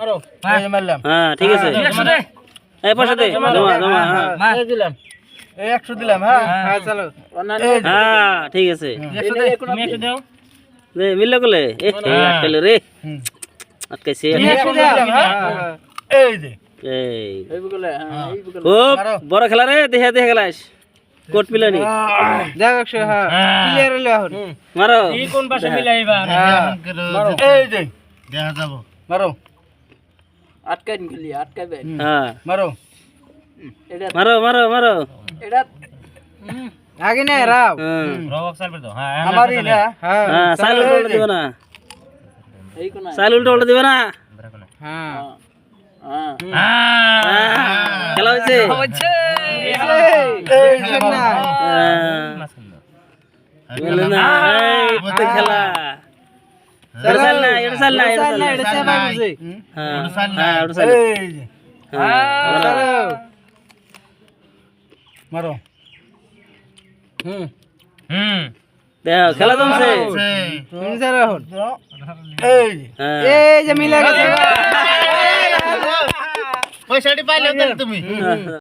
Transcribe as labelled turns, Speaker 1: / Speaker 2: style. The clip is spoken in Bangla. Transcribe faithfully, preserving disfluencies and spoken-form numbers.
Speaker 1: মারো এই মারলাম
Speaker 2: হ্যাঁ ঠিক আছে এই পয়সা দে জমা জমা হ্যাঁ
Speaker 1: এই দিলাম এই একশো দিলাম হ্যাঁ হ্যাঁ চলো
Speaker 2: হ্যাঁ ঠিক আছে
Speaker 1: একশো দে তুমি একশো দাও
Speaker 2: দে মিললে কোলে এ আটকাইলো রে আটকাইছে
Speaker 1: একশো দিলাম হ্যাঁ এই দে
Speaker 2: এই
Speaker 1: এই বলে হ্যাঁ এই বলে
Speaker 2: ও বড় খেলা রে দেখে দেখে খেলাস কোট মিলানি
Speaker 1: যাও একশো হ্যাঁ ক্লিয়ার হলো এখন
Speaker 2: মারো
Speaker 3: এই কোন পাশে মিলাইবা
Speaker 1: মারো এই দে দেখা যাব মারো
Speaker 4: আটকাইন খেলি আটকাইবেন
Speaker 2: হ্যাঁ
Speaker 1: মারো
Speaker 4: এটা
Speaker 2: মারো মারো মারো
Speaker 4: এটা
Speaker 1: আগে না রাও
Speaker 3: রবক সাইড দাও হ্যাঁ
Speaker 1: আমারই না হ্যাঁ
Speaker 2: হ্যাঁ সাইল উল্টো উল্টো দিবা না
Speaker 4: এই কোন
Speaker 2: সাইল উল্টো উল্টো দিবা না
Speaker 1: হ্যাঁ
Speaker 4: হ্যাঁ
Speaker 2: খেলা হয়েছে
Speaker 1: এই না
Speaker 2: বলে না এই তো খেলা এটা সাইল না এটা সাইল না এটা সাইল না
Speaker 1: এটা সেবা বুঝে
Speaker 2: হ্যাঁ হ্যাঁ ওটা সাইল
Speaker 1: এই যে
Speaker 2: হ্যাঁ
Speaker 1: মারো হুম
Speaker 3: হুম
Speaker 2: দেখো খেলা জমছে
Speaker 1: তুমি স্যার এখন এই
Speaker 2: হ্যাঁ
Speaker 1: এই যে মিলা গেছে
Speaker 3: পয়সাটি পাইলে তুমি